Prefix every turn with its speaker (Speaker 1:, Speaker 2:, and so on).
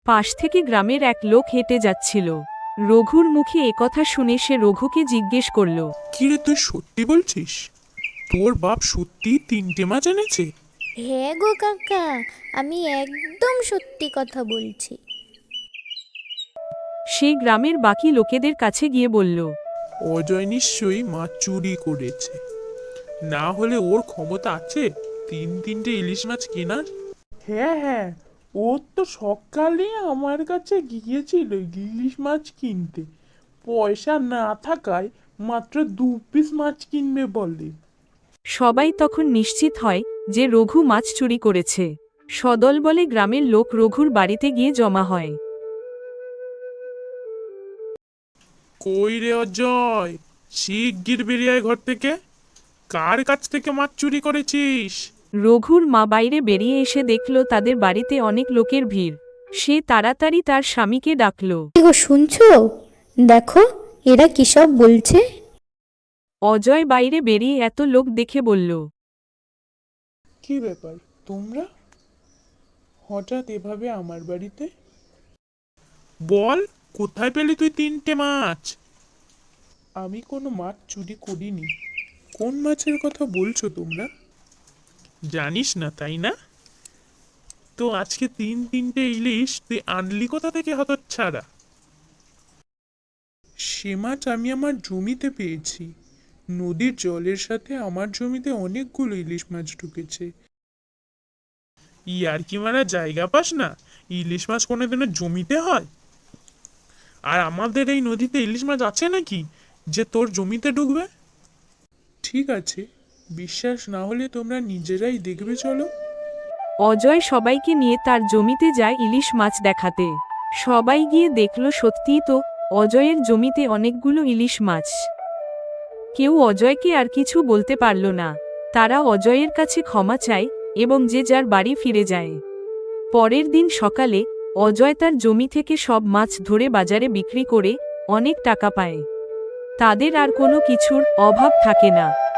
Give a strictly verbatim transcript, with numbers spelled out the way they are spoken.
Speaker 1: পাশ থেকে গ্রামের এক লোক হেঁটে যাচ্ছিল। রঘুর মুখে একথা শুনে সে রঘুকে জিজ্ঞেস করল,
Speaker 2: কিরে, তুই সত্যি বলছিস? তোর বাপ সত্যি তিনটে মাছ এনেছে?
Speaker 3: হ্যাঁ গো কাকা, আমি একদম সত্যি কথা বলছি।
Speaker 1: সে গ্রামের বাকি লোকেদের কাছে গিয়ে বলল,
Speaker 2: অজয় নিশ্চয়ই মাছ চুরি করেছে, না হলে ওর ক্ষমতা আছে তিন তিনটে ইলিশ মাছ কেনার। হ্যাঁ হ্যাঁ, ও তো সকালে আমার কাছে গিয়েছিল ইলিশ মাছ কিনতে, পয়সা না থাকায় মাত্র দু পিস মাছ কিনবে বলে।
Speaker 1: সবাই তখন নিশ্চিত হয় যে রঘু মাছ চুরি করেছে। সদল বলে গ্রামের লোক রঘুর বাড়িতে গিয়ে জমা হয়।
Speaker 2: কই রে অজয়, শিগগির বেরিয়ে আয় ঘর থেকে। কার কাছ থেকে মাছ চুরি করেছিস?
Speaker 1: রঘুর মা বাইরে বেরিয়ে এসে দেখল তাদের বাড়িতে অনেক লোকের ভিড়। সে তাড়াতাড়ি তার স্বামীকে ডাকল।
Speaker 3: গো শুনছো? দেখো এরা কি সব বলছে।
Speaker 1: অজয় বাইরে বেরিয়ে এত লোক দেখে বলল,
Speaker 2: কি ব্যাপার তোমরা হঠাৎ এভাবে আমার বাড়িতে? বল, কোথায় পেলি তুই তিনটে মাছ? আমি কোনো মাছ চুরি করিনি। কোন মাছের কথা বলছো তোমরা? জানিস না তাই না? তো আজকে তিন তিনটে ইলিশ তুই আনলি কোথা থেকে হতচ্ছাড়া? সে মাছ আমি আমার জমিতে পেয়েছি। নদীর জলের সাথে আমার জমিতে অনেকগুলো ইলিশ মাছ ঢুকেছে। ইয়ার কি মারা জায়গা পাস না? ইলিশ মাছ কোনোদিনও জমিতে হয়? আর আমাদের এই নদীতে ইলিশ মাছ আছে নাকি যে তোর জমিতে ঢুকবে? ঠিক আছে, বিশ্বাস না হলে তোমরা নিজেরাই দেখবে, চলো।
Speaker 1: অজয় সবাইকে নিয়ে তার জমিতে যায় ইলিশ মাছ দেখাতে। সবাই গিয়ে দেখল সত্যিই তো অজয়ের জমিতে অনেকগুলো ইলিশ মাছ। কেউ অজয়কে আর কিছু বলতে পারল না। তারা অজয়ের কাছে ক্ষমা চায় এবং যে যার বাড়ি ফিরে যায়। পরের দিন সকালে অজয় তার জমি থেকে সব মাছ ধরে বাজারে বিক্রি করে অনেক টাকা পায়। তাদের আর কোনো কিছুর অভাব থাকে না।